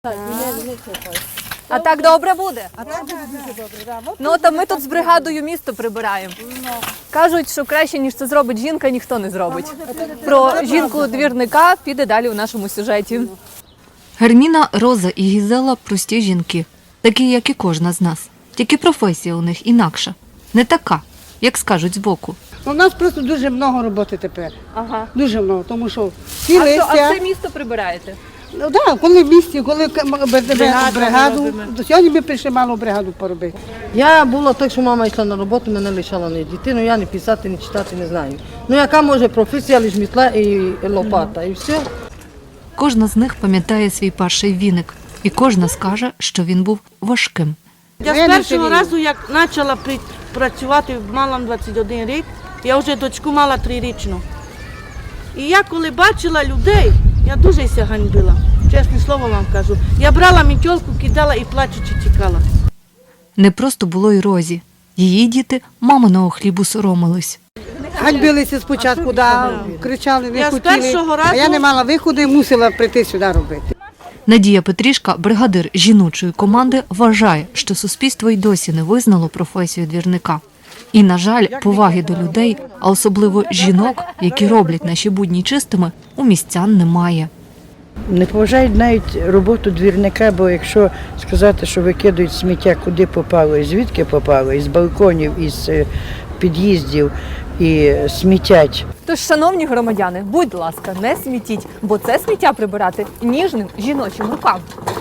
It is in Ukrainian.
А так добре буде? А так буде дуже добре. Да. Ну, то ми тут з бригадою місто прибираємо. Кажуть, що краще, ніж це зробить жінка, ніхто не зробить. Про жінку-двірника піде далі у нашому сюжеті. Герміна, Роза і Гізела – прості жінки, такі, як і кожна з нас. Тільки професія у них інакша. Не така, як скажуть збоку. У нас просто дуже много роботи тепер. Ага. Дуже много, тому що всі А листя. це місто прибираєте? Ну так, коли в місті, коли бригаду, до сьогодні ми прийшли мало бригаду поробити. Я була так, що мама йшла на роботу, мене лишала не дитину, я не писати, не читати не знаю. Ну яка може професія, лиш мітла і лопата, і все. Кожна з них пам'ятає свій перший віник. І кожна скаже, що він був важким. Я з першого разу, як почала працювати, мала 21 рік, я вже дочку мала 3-річну. І я коли бачила людей, я дуже ся ганьбила, чесне слово вам кажу. Я брала мітьолку, кидала і плачучи тікала. Не просто було й Розі. Її діти маминого хлібу соромились. Ганьбилися спочатку, кричали, не Я з хотіли. першого А я разу- не мала виходу і мусила прийти сюди робити. Надія Петрішка, бригадир жіночої команди, вважає, що суспільство й досі не визнало професію двірника. І, на жаль, поваги до людей, а особливо жінок, які роблять наші будні чистими, у містян немає. Не поважають навіть роботу двірника, бо якщо сказати, що викидають сміття куди попало і звідки попало, із балконів, із під'їздів і смітять. Тож, шановні громадяни, будь ласка, не смітіть, бо це сміття прибирати ніжним жіночим рукам.